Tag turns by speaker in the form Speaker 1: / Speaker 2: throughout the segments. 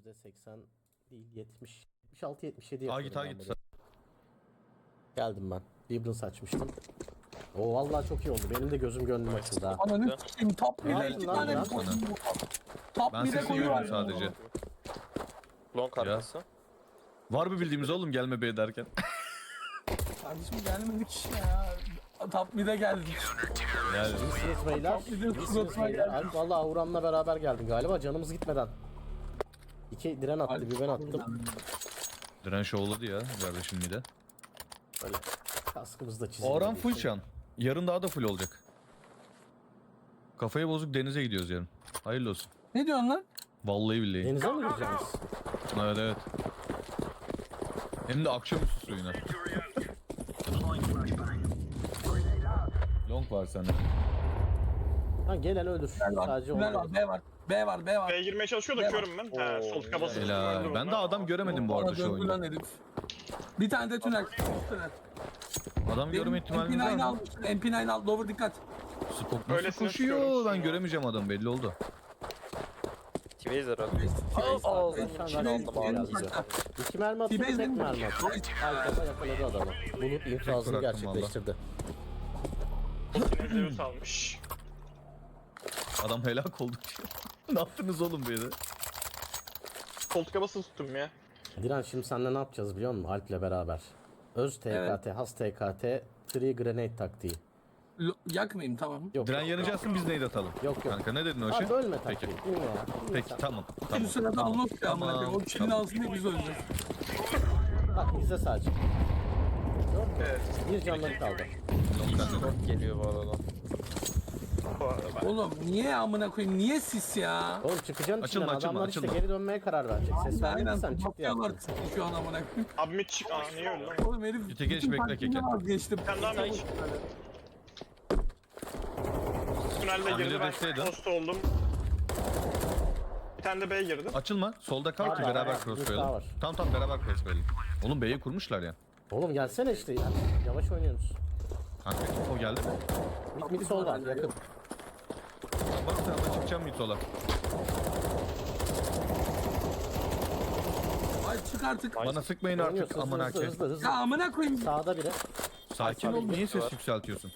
Speaker 1: %80 değil 70. 76-77
Speaker 2: Ha
Speaker 1: yapıyorum
Speaker 2: git ha
Speaker 1: ben
Speaker 2: git.
Speaker 1: bunu. Geldim ben. Vibrance açmıştım. O vallahi çok iyi oldu. Benim de gözüm gönlüm açıldı ha.
Speaker 3: Ananı s**eyim top
Speaker 1: Ne
Speaker 3: mid'e
Speaker 1: yaptın
Speaker 3: 2
Speaker 1: lan
Speaker 3: tane
Speaker 1: ya?
Speaker 3: koydum. Top
Speaker 2: Ben
Speaker 3: mid'e
Speaker 2: sesi
Speaker 3: koyuyorum
Speaker 2: görüyorum sadece.
Speaker 4: Long arkası.
Speaker 2: Var mı bildiğimiz oğlum gelme be derken?
Speaker 3: Kardeşim gelmedik ya. Top mid'e geldik.
Speaker 2: Yani
Speaker 1: İyisiniz beyler.
Speaker 3: Bir de
Speaker 1: İyisiniz
Speaker 3: suratına
Speaker 1: beyler.
Speaker 3: geldi.
Speaker 1: Alp valla Uğran'la beraber geldin galiba. Canımız gitmeden. 2 diren attı, bir ben attım.
Speaker 2: diren şovladı ya kardeşim bir de.
Speaker 1: Böyle kaskımızı da çizildi.
Speaker 2: Oran full şu an. Yarın daha da full olacak. Kafayı bozuk denize gidiyoruz yarın. Hayırlı olsun.
Speaker 3: Ne diyorsun lan?
Speaker 2: Vallahi billahi.
Speaker 1: Denize mi gireceğiz?
Speaker 2: Evet evet. Hem de akşamüstü suyuna. Long var sende.
Speaker 1: Ha gelen ölür. Sadece
Speaker 3: Tünel var,
Speaker 1: onu.
Speaker 3: B var. B var, B var.
Speaker 5: B'ye girmeye çalışıyor da körüm ben. Ha, sol tıka basıp
Speaker 2: Helal. Ben de adam göremedim bu arada
Speaker 3: Bana
Speaker 2: şu
Speaker 3: döndü lan
Speaker 2: oyunda.
Speaker 3: herif. Bir tane de tünel. Tünel.
Speaker 2: Adam görme ihtimalimiz var
Speaker 3: MP9
Speaker 2: mı?
Speaker 3: al. MP9 al. Lower dikkat.
Speaker 2: Spok nasıl
Speaker 5: Öylesine
Speaker 2: koşuyor?
Speaker 5: sıkıyorum.
Speaker 2: Ben göremeyeceğim adam belli oldu.
Speaker 4: T-Base herhalde.
Speaker 1: İki mermi attı, tek
Speaker 3: T-Base'in-
Speaker 1: mermi attı. Arkada yakaladı adamı. Bulut infazını
Speaker 2: bıraktım
Speaker 1: gerçekleştirdi.
Speaker 5: Yine Zeus almış.
Speaker 2: Adam helak oldu. Ne yaptınız oğlum böyle?
Speaker 5: Sol tıka basıp tuttum ya.
Speaker 1: Diren şimdi seninle ne yapacağız biliyor musun? Alp'le beraber. Öz TKT,
Speaker 3: Evet.
Speaker 1: has TKT, Tree Grenade taktiği.
Speaker 3: Yakmayayım tamam.
Speaker 1: Yok
Speaker 2: Diren
Speaker 1: yok.
Speaker 2: yanacaksın biz neydi atalım?
Speaker 1: Yok, yok.
Speaker 2: Kanka ne dedin o şey?
Speaker 1: Abi ölme
Speaker 2: Peki.
Speaker 1: taktiği. Bilme ya. Bilme
Speaker 2: Peki
Speaker 1: sen.
Speaker 2: tamam.
Speaker 3: Bir
Speaker 2: Tamam.
Speaker 3: sırada unlock ya amına
Speaker 2: Tamam,
Speaker 3: koyayım. O kilin
Speaker 2: tamam.
Speaker 3: altında biz öleceğiz.
Speaker 1: Bak bize sadece.
Speaker 5: Evet.
Speaker 1: Bir canları kaldı.
Speaker 4: Short geliyor bu arada.
Speaker 5: Bu arada.
Speaker 3: Oğlum niye amına koyayım? Niye sis ya?
Speaker 1: Oğlum çıkacaksın
Speaker 2: Açılma,
Speaker 1: içinden.
Speaker 2: açılma,
Speaker 1: Adamlar işte
Speaker 2: açılma.
Speaker 1: geri dönmeye karar verecek. Ses
Speaker 3: Aynen.
Speaker 1: vermediysen çık diye
Speaker 3: Bakıyorlar
Speaker 1: attım.
Speaker 3: şu an amına koyayım.
Speaker 5: Abi mid çık. Aa niye öldü lan?
Speaker 3: Oğlum herif
Speaker 2: Gite geç,
Speaker 3: bütün
Speaker 2: bekle
Speaker 3: taktiğinden
Speaker 2: keke.
Speaker 3: vazgeçti.
Speaker 5: Sen daha mid çık. Tünelde
Speaker 2: Hamile
Speaker 5: girdi ben
Speaker 2: desteydin.
Speaker 5: post oldum. Bir tane de B'ye girdi.
Speaker 2: Açılma. Solda kal ki
Speaker 1: Var,
Speaker 2: beraber
Speaker 1: var,
Speaker 2: cross
Speaker 1: bir
Speaker 2: koyalım.
Speaker 1: daha var.
Speaker 2: Tamam beraber cross koyalım. Oğlum B'yi kurmuşlar ya.
Speaker 1: Oğlum gelsene işte ya. Yavaş oynuyorsunuz.
Speaker 2: Kanka o geldi mi?
Speaker 1: Mid sol var yakın.
Speaker 2: Bak sen de çıkacağım mid sola.
Speaker 3: Ay çık artık.
Speaker 2: Bana sıkmayın artık
Speaker 1: Oynuyorsun
Speaker 2: aman
Speaker 1: hızlı
Speaker 2: hakem.
Speaker 1: hızlı hızlı.
Speaker 3: Ya amına koyayım.
Speaker 1: Sağda biri.
Speaker 2: Sakin ol niye ses yükseltiyorsun?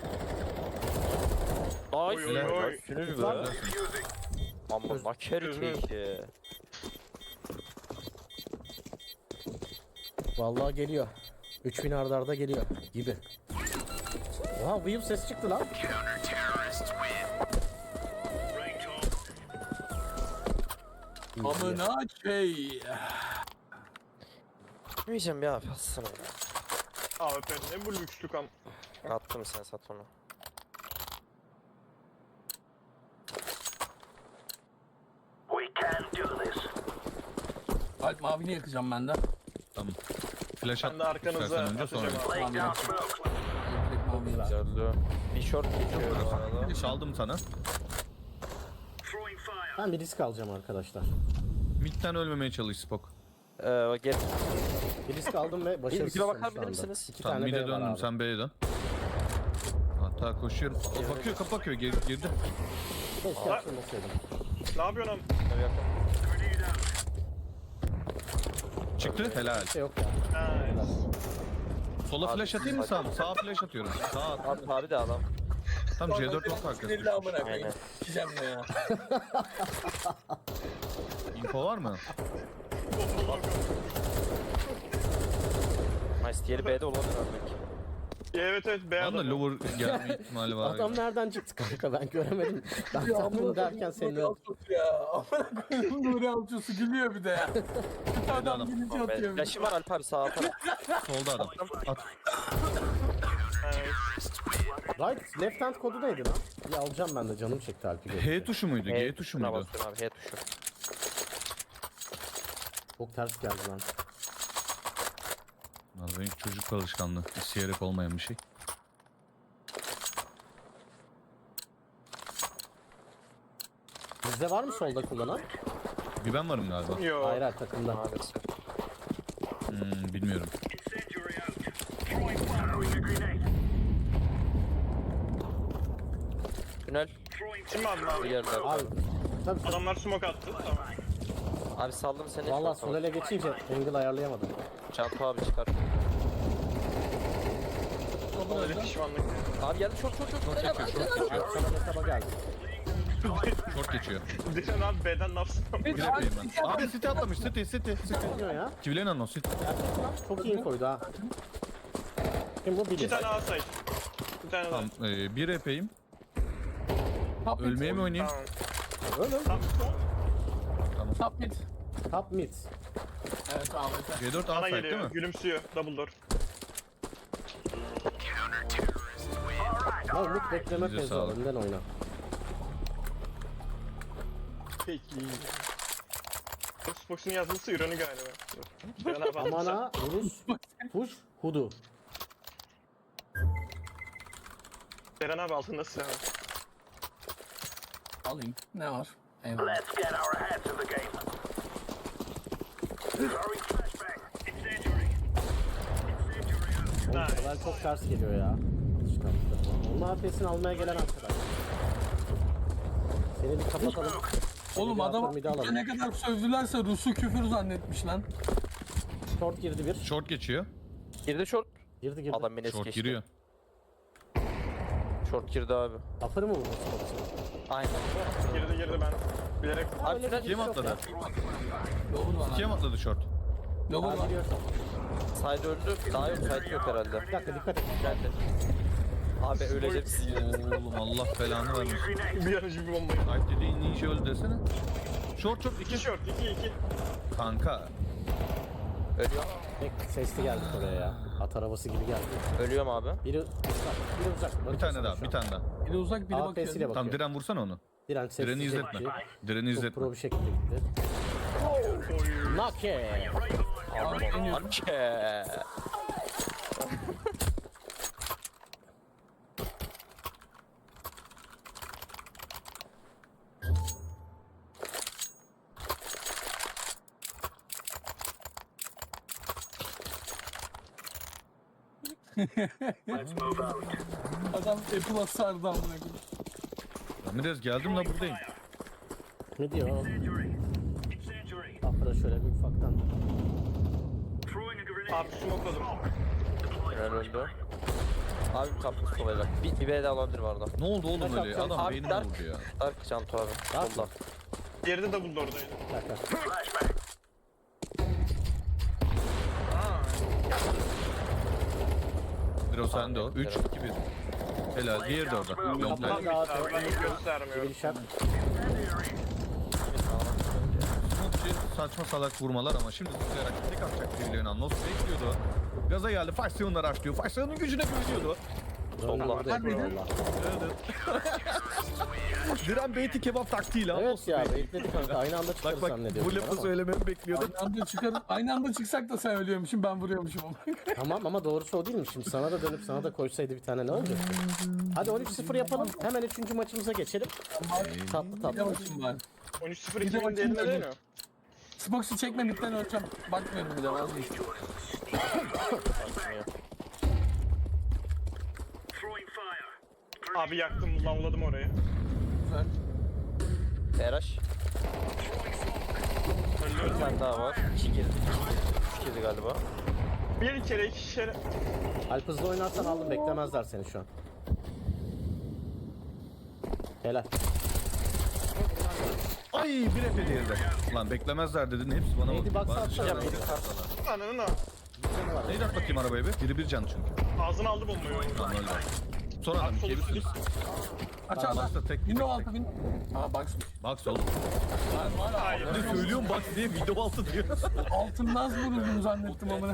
Speaker 5: Oy oy oy.
Speaker 4: Sünür
Speaker 1: Var
Speaker 4: mü?
Speaker 1: mı?
Speaker 4: Ama maker keki.
Speaker 1: Vallahi geliyor. 3000 arda arda geliyor gibi. Oha Weave ses çıktı lan.
Speaker 3: Amına şey.
Speaker 4: Bilmeyeceğim ya atsana.
Speaker 5: AWP ne bu lükslük am.
Speaker 4: Attım sen sat onu.
Speaker 3: Alp mavini yakacağım ben de.
Speaker 2: Tamam. Flash at.
Speaker 5: Ben de arkanıza
Speaker 2: istersen önce sonra.
Speaker 5: atacağım abi.
Speaker 3: Tamam yakacağım. Direkt maviyi ver.
Speaker 4: Güzeldi. Bir short geçiyor bu arada.
Speaker 2: Çaldım sana.
Speaker 1: Ben bir risk alacağım arkadaşlar.
Speaker 2: Mid'den ölmemeye çalış Spok.
Speaker 4: Gel.
Speaker 1: Bir risk aldım ve başarısızım
Speaker 4: Bir bakar
Speaker 1: şu anda.
Speaker 4: misiniz?
Speaker 1: İki
Speaker 2: Tamam
Speaker 1: tane
Speaker 2: mid'e
Speaker 1: B var
Speaker 2: döndüm
Speaker 1: abi.
Speaker 2: sen B'ye dön. Hatta koşuyorum. O bakıyor kapı bakıyor girdi.
Speaker 1: Keşke açılmasaydım.
Speaker 5: Ne yapıyorsun am?
Speaker 2: Çıktı helal.
Speaker 1: Bir şey yok ya.
Speaker 5: Ha, evet.
Speaker 2: Sola flash atayım mı sağ mı? Sağa flash atıyorum. Sağa at.
Speaker 4: Abi de adam.
Speaker 2: Tam C4 not
Speaker 3: Sinirli
Speaker 2: arkası.
Speaker 3: amına koyayım.
Speaker 4: Aynen.
Speaker 3: Sikeceğim ne ya.
Speaker 2: Info var mı?
Speaker 4: Nice. Diğeri B'de olabilir abi belki.
Speaker 5: Evet evet B
Speaker 2: Bana da
Speaker 5: adam.
Speaker 2: lower gelme ihtimali var.
Speaker 1: Adam nereden çıktı kanka ben göremedim. Ben tahmin derken seni
Speaker 3: Nuri Alçosu ya. Amına koyayım Nuri Alçosu gülüyor bir de ya. Adam gülünce
Speaker 4: Ben
Speaker 3: atıyor.
Speaker 4: flash'ım var Alp abi sağa atarım.
Speaker 2: Solda adam. At.
Speaker 5: Evet.
Speaker 1: Right left hand kodu neydi lan? Bir alacağım ben de canım çekti Alp'i.
Speaker 2: H tuşu muydu? G tuşu
Speaker 4: tuşuna
Speaker 2: muydu?
Speaker 4: basıyorum abi H tuşu.
Speaker 1: Çok ters geldi lan.
Speaker 2: Vallahi çocuk alışkanlığı. İsteyerek olmayan bir şey.
Speaker 1: Bizde var mı solda kullanan?
Speaker 2: Bir ben varım galiba.
Speaker 5: Yo.
Speaker 1: Hayır hayır takımda.
Speaker 4: Maalesef.
Speaker 2: Bilmiyorum.
Speaker 4: Tünel.
Speaker 5: Kim abi
Speaker 4: Bir
Speaker 5: abi?
Speaker 4: yerler.
Speaker 1: Abi tabii
Speaker 5: Adamlar smoke attı. Tamam.
Speaker 4: Abi saldım seni.
Speaker 1: Valla
Speaker 4: short'a
Speaker 1: sol
Speaker 4: bak.
Speaker 1: ele geçince angle ayarlayamadım.
Speaker 4: Cantu abi çıkar.
Speaker 5: Öyle pişmanlık.
Speaker 4: Abi geldi short.
Speaker 2: Short geçiyor, short geçiyor.
Speaker 1: Sana metaba geldi.
Speaker 2: Short geçiyor.
Speaker 5: Diren abi B'den ne yapsın?
Speaker 2: Bir yapayım ben. Abi City atlamış, City.
Speaker 1: Ne diyor ya?
Speaker 2: Kivilerin anons, City.
Speaker 1: Çok iyi infoydu ha. Kim bu?
Speaker 5: 2
Speaker 1: Biri.
Speaker 5: tane A site. Bir tane daha.
Speaker 2: Tamam, bir yapayım.
Speaker 3: Top mid.
Speaker 2: Ölmeye mi oynayayım?
Speaker 5: Tamam.
Speaker 1: Öyle.
Speaker 3: Top mid.
Speaker 1: Top mid.
Speaker 3: Evet Ahmet.
Speaker 2: C4
Speaker 5: Bana
Speaker 2: outside değil
Speaker 5: geliyor.
Speaker 2: mi?
Speaker 5: Gülümsüyor. Double door.
Speaker 1: Ya Umut bekleme
Speaker 2: Elinize
Speaker 1: fezi
Speaker 2: sağlık.
Speaker 1: önden oyna.
Speaker 5: Peki. Xbox'un yazması Iron'u galiba. Diren abi
Speaker 1: Aman
Speaker 5: alırsa.
Speaker 1: ha Rus. Push. Hudu.
Speaker 5: Diren abi altında silah var.
Speaker 3: Alayım. Ne var? Eyvallah.
Speaker 1: Oğlum kadar çok ters geliyor ya. Alışkanlıklar. Onun AP'sini almaya gelen arkadaş. Seni bir kapatalım.
Speaker 3: Oğlum
Speaker 1: Bir
Speaker 3: adam
Speaker 1: bir de alalım.
Speaker 3: ne kadar sövdülerse Rus'u küfür zannetmiş lan.
Speaker 1: Short girdi bir.
Speaker 2: Short geçiyor.
Speaker 4: Girdi short.
Speaker 1: Girdi.
Speaker 4: Adam beni es
Speaker 2: Short
Speaker 4: geçti.
Speaker 2: giriyor.
Speaker 4: Short girdi abi.
Speaker 1: Upper'ı mı vurdu Xbox'u?
Speaker 4: Aynen.
Speaker 5: Girdi ben. Bilerek
Speaker 4: Abi tünel
Speaker 2: Kim atladı?
Speaker 3: Lover var.
Speaker 2: Kim atladı short?
Speaker 3: Lover
Speaker 1: Daha
Speaker 3: var.
Speaker 1: giriyor.
Speaker 4: side öldü. Daha yok side yok herhalde.
Speaker 1: Bir dakika dikkat et.
Speaker 4: Geldi. Abi öleceksin.
Speaker 2: Oğlum Allah belanı vermesin.
Speaker 5: bir yanıcı bir bombayı.
Speaker 2: Knight dediğin ninja öldü desene. Short
Speaker 5: 2
Speaker 2: 2.
Speaker 5: short. 2.
Speaker 2: Kanka.
Speaker 4: Ölüyor.
Speaker 1: Tek sesli geldik oraya ya. At arabası gibi geldi.
Speaker 4: Ölüyorum abi.
Speaker 1: Biri uzak. Biri uzak.
Speaker 2: Bir tane daha, bir tane daha.
Speaker 3: Biri uzak biri
Speaker 1: AP'siyle
Speaker 3: bakıyor.
Speaker 1: bakıyor.
Speaker 2: Tamam Diren vursana onu.
Speaker 1: Diren sessiz
Speaker 2: Diren'i izletme.
Speaker 1: gitti.
Speaker 2: Diren'i
Speaker 1: Çok
Speaker 2: izletme.
Speaker 1: pro bir şekilde gitti. Nake.
Speaker 3: Abi deniyorum.
Speaker 4: Arke.
Speaker 3: Adam Apple'a sardı amına koyayım.
Speaker 2: Ramirez geldim la buradayım.
Speaker 1: Ne diyor? Upper'a şöyle bir ufaktan.
Speaker 5: Abi smokeladım.
Speaker 4: Tünel öldü. Abi kapmış kolayacak. Bir B de alabilir var da.
Speaker 2: Ne oldu oğlum öyle? Adam
Speaker 4: Abi
Speaker 2: beynimi
Speaker 4: Dark.
Speaker 2: vurdu ya.
Speaker 4: Dark Cantu abi.
Speaker 1: Dark
Speaker 4: Solda.
Speaker 5: Diğeri de double door'daydı.
Speaker 1: Bir dakika.
Speaker 2: Biro sende o. 3, 2, 1. Helal. Diğeri de orada. Yok
Speaker 1: Tamam.
Speaker 2: lan.
Speaker 5: Tam bitti abi. Ben göstermiyorum.
Speaker 1: Bir şart.
Speaker 2: Smokçı saçma salak vurmalar ama şimdi zıplayarak tek atacak birilerinin anons bekliyordu. Gaza geldi. Faksiyonlar açlıyor. Faksiyonun gücüne güveniyordu.
Speaker 4: Solda.
Speaker 1: Burada yapıyor valla.
Speaker 2: Diren beyti kebap taktiğiyle
Speaker 1: Evet ya bekledik kanka. Aynı anda çıkarız
Speaker 2: Bak
Speaker 1: zannediyorum.
Speaker 2: bu lafı
Speaker 1: ama.
Speaker 2: söylememi bekliyordu.
Speaker 3: Aynı anda çıksak da sen ölüyormuşum ben vuruyormuşum ama.
Speaker 1: Tamam ama doğrusu o değil mi? Şimdi sana da dönüp sana da koysaydı bir tane ne olacak? Hadi 13-0 yapalım. Hemen 3. maçımıza geçelim. Tatlı
Speaker 3: Bir de
Speaker 1: tatlı.
Speaker 3: bakayım ben.
Speaker 5: 13-0
Speaker 3: Bir de
Speaker 5: 2000 değerinde
Speaker 3: bakayım
Speaker 5: değil mi?
Speaker 3: Xbox'u çekmemekten öleceğim. Bakmıyorum bile vazgeçtim.
Speaker 5: Abi yaktım, lavladım orayı.
Speaker 3: Güzel.
Speaker 4: Eraş. Bir tane daha var. 2 girdi. 3 girdi galiba.
Speaker 5: Bir kere, iki kere.
Speaker 1: Alp hızlı oynarsan aldım. Beklemezler seni şu an. Helal.
Speaker 2: Ay bir efe diğeri de. Lan beklemezler dedin hepsi bana
Speaker 1: Neydi
Speaker 2: bakıyor.
Speaker 1: baksa
Speaker 2: Bana dışarıdan
Speaker 1: atsana.
Speaker 2: bakıyor.
Speaker 5: Ananın ha.
Speaker 2: Neydi at bakayım arabaya bir. Biri bir can çünkü.
Speaker 5: Ağzına aldı bombayı.
Speaker 2: Lan öyle. Son adam ikiye bir sürü.
Speaker 3: Aç
Speaker 2: Bak
Speaker 3: abi.
Speaker 2: da tek
Speaker 3: Window
Speaker 2: tek.
Speaker 3: altı Aa baksın.
Speaker 2: Bak sol.
Speaker 3: Var var
Speaker 5: Hayır.
Speaker 3: abi.
Speaker 2: Ne söylüyorum bak diye video altı diyor.
Speaker 3: Altından vuruldum zannettim amına.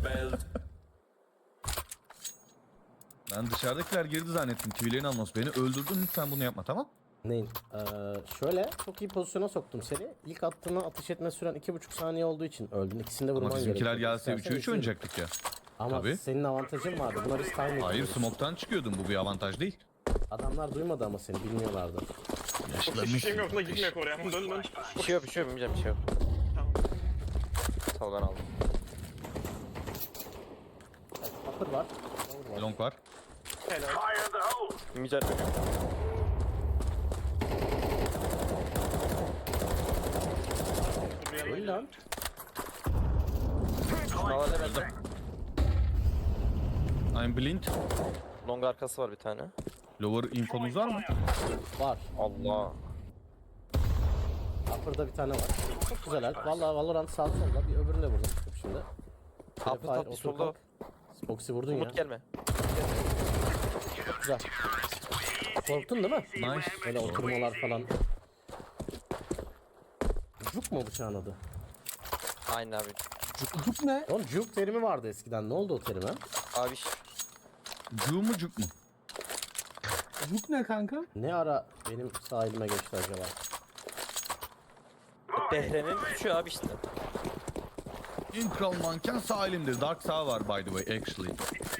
Speaker 2: Ben dışarıdakiler girdi zannettim. Kivilerin anons beni öldürdün lütfen bunu yapma tamam?
Speaker 1: Neyin? Şöyle çok iyi pozisyona soktum seni. İlk attığına atış etme süren 2,5 saniye olduğu için öldün. İkisini de vurman
Speaker 2: Ama
Speaker 1: gerekiyor.
Speaker 2: bizimkiler gelse
Speaker 1: İstersen
Speaker 2: 3'e 3
Speaker 1: izleyelim.
Speaker 2: oynayacaktık ya.
Speaker 1: Ama
Speaker 2: Tabii.
Speaker 1: senin avantajın vardı. Buna biz time
Speaker 2: Hayır
Speaker 1: ediyoruz.
Speaker 2: smoke'tan çıkıyordun bu bir avantaj değil.
Speaker 1: Adamlar duymadı ama seni bilmiyorlardı.
Speaker 5: Hiçbir şeyim yok da gitmek oraya. Dön dön.
Speaker 4: Bir şey yok, bir şey yok, bilmeyeceğim bir şey yok.
Speaker 5: Tamam.
Speaker 4: Sal ben aldım.
Speaker 1: Upper var.
Speaker 2: Long var.
Speaker 5: Helal.
Speaker 4: Bilmeyeceğim.
Speaker 1: lan.
Speaker 4: Havale bende.
Speaker 2: I'm blind.
Speaker 4: Long arkası var bir tane.
Speaker 2: Lower infomuz var mı?
Speaker 1: Var.
Speaker 4: Allah.
Speaker 1: Upper'da bir tane var. Çok güzel Alp. Valla Valorant sağ solda. Bir öbürünü de vurdum şimdi.
Speaker 4: Upper
Speaker 1: Fire,
Speaker 4: top
Speaker 1: otur
Speaker 4: solda.
Speaker 1: kalk. Spoxy vurdun ya.
Speaker 4: Umut gelme.
Speaker 1: Çok güzel. Korktun değil mi?
Speaker 2: Nice.
Speaker 1: Böyle oturmalar falan. Juk mu bıçağın adı?
Speaker 4: Aynen abi.
Speaker 3: Cuk ne?
Speaker 1: Oğlum juk terimi vardı eskiden. Ne oldu o terime?
Speaker 4: Abi
Speaker 2: Cu mu cuk mu?
Speaker 3: Cuk ne kanka?
Speaker 1: Ne ara benim sağ elime geçti acaba?
Speaker 4: Behre'nin üçü abi işte.
Speaker 2: En kral manken sağ elimdir. Dark sağ var by the way actually.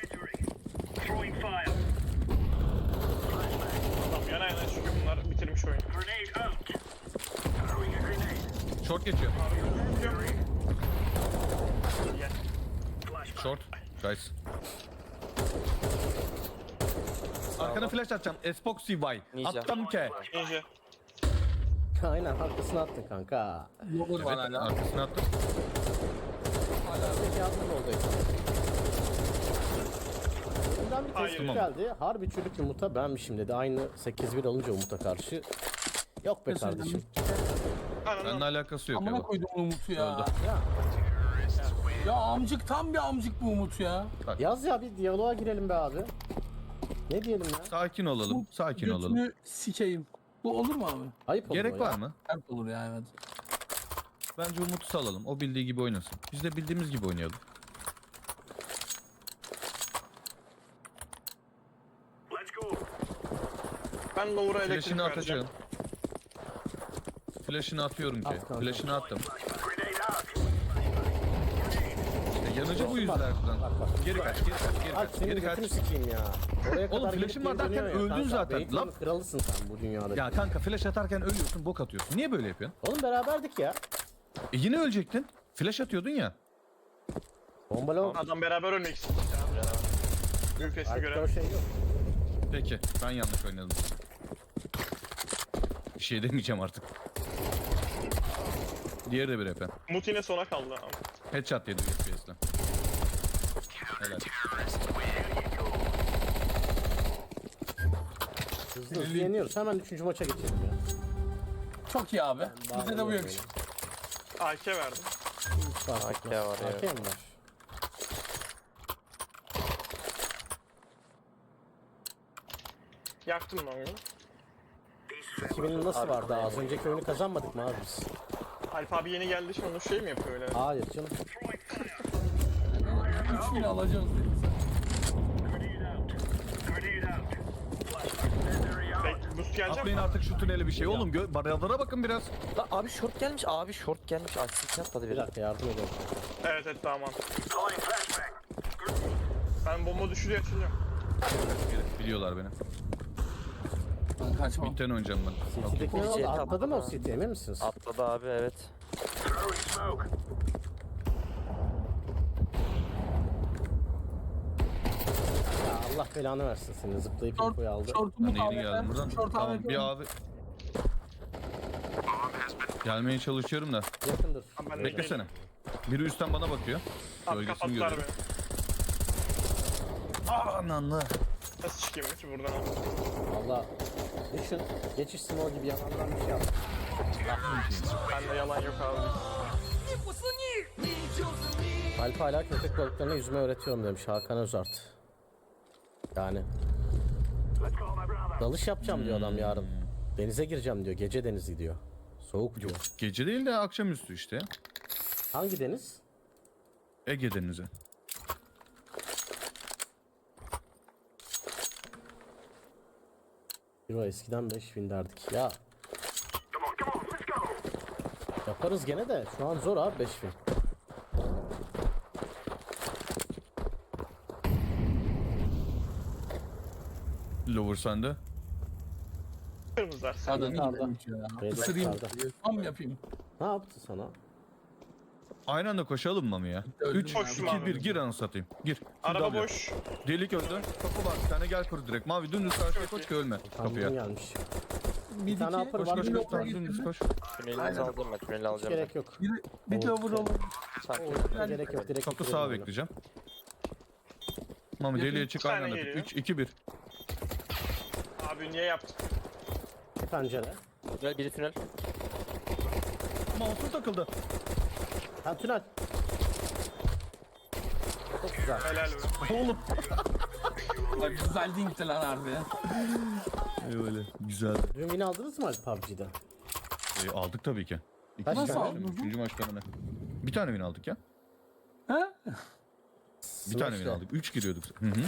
Speaker 5: Tamam yana yana çünkü bunlar bitirmiş oyunu.
Speaker 2: Short geçiyor.
Speaker 5: Gel.
Speaker 2: Short. Guys. Arkana flash atacağım. Espoxy Y.
Speaker 4: Ninja.
Speaker 2: Attım ke.
Speaker 5: Ninja.
Speaker 1: Aynen arkasına attın kanka.
Speaker 3: Lower var
Speaker 2: Evet
Speaker 3: hala.
Speaker 2: arkasına attım.
Speaker 1: Peki yardım oldaydı. Bundan bir
Speaker 5: Hayır.
Speaker 1: tespit geldi. Harbi çürük yumurta benmişim dedi. Aynı 8-1 alınca Umut'a karşı. Yok be kardeşim.
Speaker 2: Seninle
Speaker 5: Ananı.
Speaker 2: alakası yok
Speaker 3: Amına
Speaker 2: ya.
Speaker 3: koydum Umut'u ya.
Speaker 2: Öldü.
Speaker 1: Ya
Speaker 3: Ya amcık tam bir amcık bu Umut ya.
Speaker 1: yaz ya bir diyaloğa girelim be abi. Ne diyelim ya?
Speaker 2: Sakin olalım. Sakin olalım.
Speaker 3: Götünü sikeyim. Bu olur mu abi?
Speaker 1: Ayıp olur o
Speaker 2: Gerek
Speaker 1: ya.
Speaker 2: var mı?
Speaker 3: Sert olur ya evet.
Speaker 2: Bence Umut'u salalım. O bildiği gibi oynasın. Biz de bildiğimiz gibi oynayalım.
Speaker 5: Ben lower'a elektrik
Speaker 2: Flash'ını
Speaker 5: vereceğim.
Speaker 2: atacağım. Flash'ını atıyorum ki.
Speaker 1: At kanka.
Speaker 2: Flash'ını attım. İşte yanıcı bu
Speaker 1: Bak,
Speaker 2: yüzlerden.
Speaker 1: bak, bak.
Speaker 2: Geri kaç, geri kaç, geri
Speaker 1: Alp
Speaker 2: kaç,
Speaker 1: senin
Speaker 2: geri kaç.
Speaker 1: götünü sikeyim ya. Oraya
Speaker 2: Oğlum,
Speaker 1: kadar
Speaker 2: flash'ın
Speaker 1: gelip
Speaker 2: var
Speaker 1: geri
Speaker 2: derken
Speaker 1: dönüyor ya
Speaker 2: öldün
Speaker 1: kanka.
Speaker 2: zaten.
Speaker 1: Beytinin
Speaker 2: Lan.
Speaker 1: kralısın sen bu dünyada.
Speaker 2: Ya kanka flash atarken ölüyorsun, bok atıyorsun. Niye böyle yapıyorsun?
Speaker 1: Oğlum beraberdik ya.
Speaker 2: Yine ölecektin. Flash atıyordun ya.
Speaker 1: Bombalo.
Speaker 5: Adam beraber ölmek istiyor. Büyük resmi
Speaker 1: Alp'te
Speaker 5: göre.
Speaker 1: o şey yok.
Speaker 2: Peki, ben yanlış oynadım. Bir şey demeyeceğim artık. Diğeri de bir EP.
Speaker 5: Umut yine sona kaldı.
Speaker 2: Headshot yedi FPS'le. Helal.
Speaker 1: Hızlı hızlı yeniyoruz. Hemen 3. maça geçelim ya.
Speaker 3: Çok iyi abi. Bizde de bu yakışır.
Speaker 5: AK verdim.
Speaker 1: AK
Speaker 4: var ya.
Speaker 1: AK mi var?
Speaker 5: Yaktım lan oyunu.
Speaker 1: 2000'in nasıl vardı? Az önceki oyunu kazanmadık mı abi biz?
Speaker 5: Alp abi yeni geldi şimdi onu şey mi yapıyor öyle?
Speaker 1: Hayır canım.
Speaker 3: 3000 alacağız dedi.
Speaker 5: Boost gelecek
Speaker 2: Atlayın
Speaker 5: mi?
Speaker 2: artık şu tüneli bir şey. Oğlum baralara bakın biraz.
Speaker 4: Lan abi short gelmiş. Abi short gelmiş. Asist atladı
Speaker 1: Bir
Speaker 4: biri.
Speaker 1: dakika yardım edelim.
Speaker 5: Evet evet tamam. Ben bomba düşürüyor açılıyorum.
Speaker 2: Biliyorlar beni.
Speaker 3: Ben kaçmam.
Speaker 2: Mid'den oynayacağım ben. Okay.
Speaker 1: City'deki ne oldu?
Speaker 4: Jet
Speaker 1: Atladı mı o
Speaker 4: atladı.
Speaker 1: City emin misiniz?
Speaker 4: Atladı abi evet.
Speaker 1: Ya Allah belanı versin seni zıplayıp
Speaker 3: Short,
Speaker 1: infoyu aldı.
Speaker 3: short
Speaker 2: Ben
Speaker 3: Umut
Speaker 2: de yeni
Speaker 3: abi.
Speaker 2: geldim buradan.
Speaker 3: Short
Speaker 2: Tamam
Speaker 3: abi.
Speaker 2: bir abi. Gelmeye çalışıyorum da.
Speaker 1: Yakındır.
Speaker 5: Ben de
Speaker 2: Beklesene. Biri üstten bana bakıyor.
Speaker 5: Abi
Speaker 2: Gölgesini
Speaker 5: kapattılar
Speaker 2: görüyorum.
Speaker 5: beni.
Speaker 2: Ananlı.
Speaker 5: Nasıl çıkayım ki buradan?
Speaker 1: Valla düşün. Geçiş small gibi yanlardan bir şey yap.
Speaker 5: Bende yalan yok abi.
Speaker 1: Alp hala köpek balıklarına yüzme öğretiyorum demiş Hakan Özart. Yani. Dalış yapacağım diyor adam yarın. Denize gireceğim diyor. Gece denizi diyor. Soğuk diyor.
Speaker 2: Gece değil de akşamüstü işte.
Speaker 1: Hangi deniz?
Speaker 2: Ege Denizi.
Speaker 1: Euro eskiden 5000 derdik. Ya. Yaparız gene de şu an zor abi 5000.
Speaker 2: Lower sende.
Speaker 5: Kırmızılar. Sen
Speaker 3: Adam iyi
Speaker 1: Yukarıda.
Speaker 3: demiş ya.
Speaker 1: Beyler
Speaker 3: Isırayım.
Speaker 1: yukarıda.
Speaker 3: Tam yapayım.
Speaker 1: Ne yaptı sana?
Speaker 2: Aynı anda koşalım mı ya?
Speaker 3: Öldüm
Speaker 2: 3,
Speaker 3: ya.
Speaker 2: 2,
Speaker 5: Koştum
Speaker 2: 1
Speaker 5: abi.
Speaker 2: gir anı satayım. Gir.
Speaker 5: araba
Speaker 2: W.
Speaker 5: boş.
Speaker 2: Delik öldü. Kapı var bir tane gel kur direkt. Mavi dümdüz karşıya koş ki ölme.
Speaker 1: Kamyon
Speaker 2: Kapıya.
Speaker 1: gelmiş.
Speaker 3: mid
Speaker 1: tane
Speaker 3: 2.
Speaker 1: upper
Speaker 2: Koş
Speaker 1: var.
Speaker 2: koş
Speaker 1: bir
Speaker 2: koş.
Speaker 1: lower.
Speaker 2: Tamam, dümdüz koş.
Speaker 4: Tünelinizi
Speaker 3: Aynen.
Speaker 4: alacağım ben. Tüneli
Speaker 1: Hiç
Speaker 4: alacağım
Speaker 1: gerek yok.
Speaker 3: Bir lower olur.
Speaker 4: Sanki.
Speaker 1: Gerek yok. Direkt
Speaker 2: Çok da
Speaker 1: bitirelim
Speaker 2: sağa
Speaker 1: oyunu.
Speaker 2: bekleyeceğim. Mami deliye çık
Speaker 5: Bir tane
Speaker 2: aynen.
Speaker 5: geliyor.
Speaker 2: 3 2 1.
Speaker 5: Abi niye yaptın?
Speaker 1: Pencere.
Speaker 4: Tünel, biri tünel.
Speaker 2: Mouse'um takıldı.
Speaker 1: Ha tünel. Çok güzel.
Speaker 5: Helal be.
Speaker 2: Oğlum.
Speaker 3: Bak güzel dinkti lan harbi.
Speaker 2: Öyle. Güzel.
Speaker 1: Dün win aldınız mı Alp PUBG'de?
Speaker 2: Aldık tabii ki.
Speaker 1: Kaç
Speaker 3: Nasıl
Speaker 1: tane?
Speaker 3: aldın?
Speaker 2: Üçüncü maçta mı ne? Bir tane win aldık ya.
Speaker 3: Ha?
Speaker 2: Bir tane win aldık. 3 giriyorduk. Hı hı.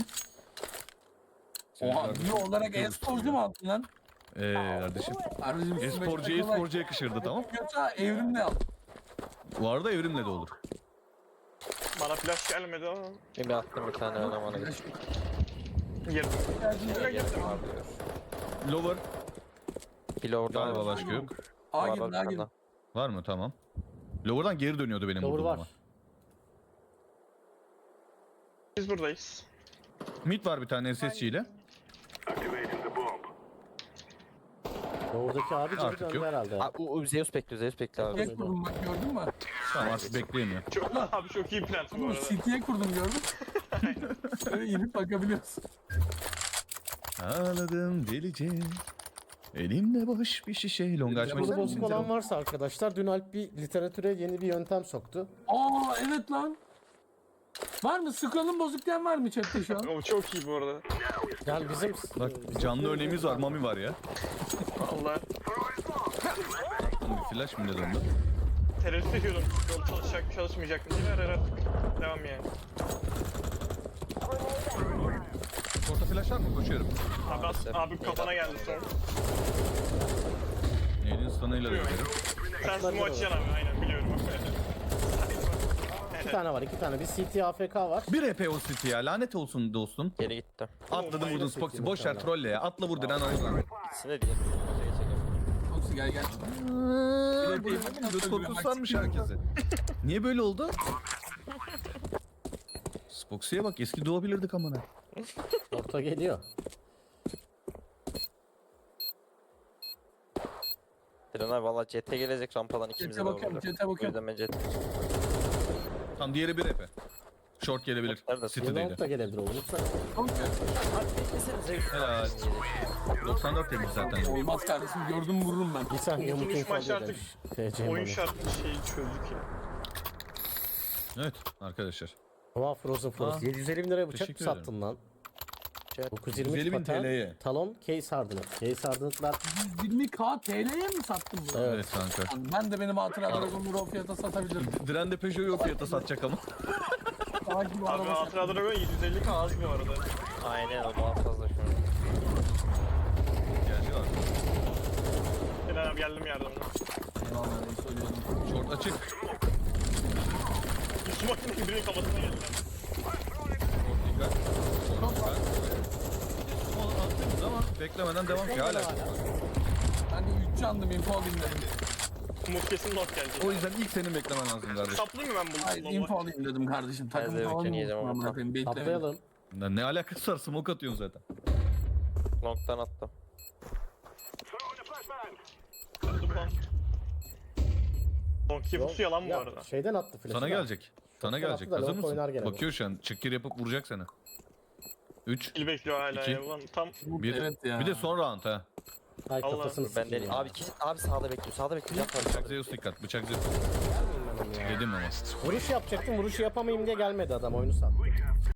Speaker 3: Oha bir olarak e-sporcu mu aldın lan?
Speaker 2: Kardeşim.
Speaker 3: Harbicim
Speaker 2: E-sporcu yakışırdı tamam.
Speaker 3: Yoksa evrimle al.
Speaker 2: Bu arada evrimle de olur.
Speaker 5: Bana flash gelmedi ama.
Speaker 4: Şimdi attım bir tane oynamana geç.
Speaker 5: Girdim.
Speaker 4: Geldim abi.
Speaker 2: Lower.
Speaker 4: Pilo orada.
Speaker 2: Galiba başka yok.
Speaker 3: A
Speaker 4: Var,
Speaker 3: girin
Speaker 4: var
Speaker 3: A
Speaker 4: bir tane
Speaker 3: girin.
Speaker 4: daha.
Speaker 2: Var mı? Tamam. Lower'dan geri dönüyordu benim
Speaker 1: Lower
Speaker 2: vurduğum
Speaker 1: var.
Speaker 2: ama.
Speaker 5: Biz buradayız.
Speaker 2: Mid var bir tane SSC ile.
Speaker 1: Doğudaki abi gibi
Speaker 2: Artık
Speaker 1: döndü
Speaker 2: yok.
Speaker 1: herhalde.
Speaker 4: Zeus bekliyor. Zeus bekliyor abi.
Speaker 3: City'ye kurdum bak gördün mü?
Speaker 2: Tamam artık bekleyemiyor.
Speaker 5: Çok, abi çok iyi plant bu
Speaker 3: Oğlum
Speaker 5: arada.
Speaker 3: City'ye kurdum gördün mü? Böyle inip bakabiliyorsun.
Speaker 2: Ağladım delice. Elimde boş bir şişe. Long açmak
Speaker 1: Burada
Speaker 2: ister
Speaker 1: bozuk
Speaker 2: misin?
Speaker 1: olan varsa arkadaşlar dün Alp bir literatüre yeni bir yöntem soktu.
Speaker 3: Aa evet lan. Var mı? Scroll'un bozuk diyen var mı chatte şu an?
Speaker 5: O çok iyi bu arada.
Speaker 1: Yani bizim
Speaker 2: Bak canlı örneğimiz var. Mami var ya.
Speaker 5: Vallahi
Speaker 2: Bir flash mı ne döndü?
Speaker 5: tereddüt ediyordum. Yol çalışacak mı çalışmayacak mı diye ver artık. Devam yani.
Speaker 2: Orta flash var mı? Koşuyorum.
Speaker 5: Abi kafana geldi sonra.
Speaker 2: Elin stun'ıyla dönerim.
Speaker 5: Sen smoke açacaksın abi aynen biliyorum.
Speaker 1: iki tane var, iki tane. Bir CT AFK var.
Speaker 2: Bir EP o City ya. Lanet olsun dostum.
Speaker 4: Geri gitti.
Speaker 2: Atladım vurdun
Speaker 1: minus
Speaker 2: Spoxy.
Speaker 1: iki
Speaker 2: Boş ver
Speaker 1: muhtemelen.
Speaker 2: trolle ya. Atla vur diren ayılan.
Speaker 4: İkisine diye.
Speaker 3: Foxy gel gel.
Speaker 2: Göt korkusu sarmış herkese. Niye böyle oldu? Spoxy'ye bak eski doğabilirdik amına.
Speaker 1: Orta geliyor.
Speaker 4: Diren abi valla CT gelecek rampadan ikimize
Speaker 3: Jet'e
Speaker 4: de
Speaker 3: bakıyorum,
Speaker 4: vuracak.
Speaker 3: jet'e
Speaker 4: O
Speaker 3: bakıyorum.
Speaker 4: yüzden ben CT.
Speaker 2: Tam diğeri bir EP. Short gelebilir.
Speaker 4: Nerede?
Speaker 2: City'deydi.
Speaker 1: Yılmaz da gelebilir o unutmayın.
Speaker 2: Helal. 94 demiş zaten.
Speaker 3: Olmaz kardeşim gördüm vururum ben.
Speaker 1: Bir saniye
Speaker 5: İlk
Speaker 1: Umut
Speaker 5: üç
Speaker 1: info
Speaker 5: maç
Speaker 1: diyor
Speaker 5: artık
Speaker 1: demiş. TC
Speaker 5: Oyun
Speaker 1: Mami.
Speaker 5: şartlı şeyi çözdük ya.
Speaker 2: Evet arkadaşlar.
Speaker 1: Oha Frozen Frost. 750 bin liraya bıçak mı
Speaker 2: Teşekkür ederim.
Speaker 1: sattın lan?
Speaker 4: Şey,
Speaker 1: 920
Speaker 2: 150 bin
Speaker 1: paten,
Speaker 2: TL'ye.
Speaker 1: talon, case hardened. Case hardened'lar
Speaker 3: 120k TL'ye mi sattın bunu?
Speaker 1: Evet.
Speaker 2: Evet kanka.
Speaker 3: Ben de benim hatıra Dragon'ları o fiyata satabilirim.
Speaker 2: Diren de Peugeot'u o fiyata satacak ama.
Speaker 3: Daha gibi
Speaker 5: Abi
Speaker 3: araba
Speaker 5: Hatıra Dragon 750 az bu arada.
Speaker 4: Aynen o daha fazla şu an.
Speaker 2: Gerçi var.
Speaker 5: Eren abi geldim yardımına.
Speaker 3: Eyvallah ben söylüyorum.
Speaker 2: Short açık.
Speaker 5: Bir smoke'ın birinin kafasına geldi.
Speaker 2: Short dikkat. Short dikkat. Small attınız ama beklemeden devam ki hala.
Speaker 3: Ben de 3 candım info alayım dedim.
Speaker 5: Smoke kesin not gelecek.
Speaker 2: O yüzden ilk senin beklemen lazım kardeşim.
Speaker 5: Saplayayım mı ben bunu?
Speaker 3: Hayır info alayım dedim kardeşim. Takım
Speaker 4: de
Speaker 3: falan
Speaker 4: ülkeni yiyeceğim
Speaker 3: mı?
Speaker 4: ama.
Speaker 3: Amına koyayım beklemedim.
Speaker 1: Atlayalım.
Speaker 2: Lan ne alakası var smoke atıyorsun zaten.
Speaker 4: Long'dan attım.
Speaker 5: Attım lan. Donkey pusu yalan bu
Speaker 1: Ya,
Speaker 5: arada.
Speaker 1: Şeyden attı flash'ı.
Speaker 2: Sana
Speaker 1: da.
Speaker 2: gelecek. Sana
Speaker 1: Short'tan
Speaker 2: gelecek.
Speaker 1: attı da
Speaker 2: Hazır
Speaker 1: long oynar
Speaker 2: mısın?
Speaker 1: gene bu.
Speaker 2: Bakıyor şu an. Çıkkir yapıp vuracak seni. 3.
Speaker 5: Kill bekliyor hala
Speaker 2: İki.
Speaker 5: ya. Ulan tam
Speaker 2: 1.
Speaker 3: Evet ya.
Speaker 2: Bir de son round ha.
Speaker 1: Ay
Speaker 5: Allah,
Speaker 1: kafasını
Speaker 4: Ben
Speaker 1: sikeyim
Speaker 4: de
Speaker 1: ya.
Speaker 4: abi sağda bekliyor. Sağda bekliyor.
Speaker 2: Bıçak Zeus dikkat. Bıçak Zeus. Dedim ama.
Speaker 1: Vuruş yapacaktım, vuruşu yapamayayım diye gelmedi adam, oyunu sattı.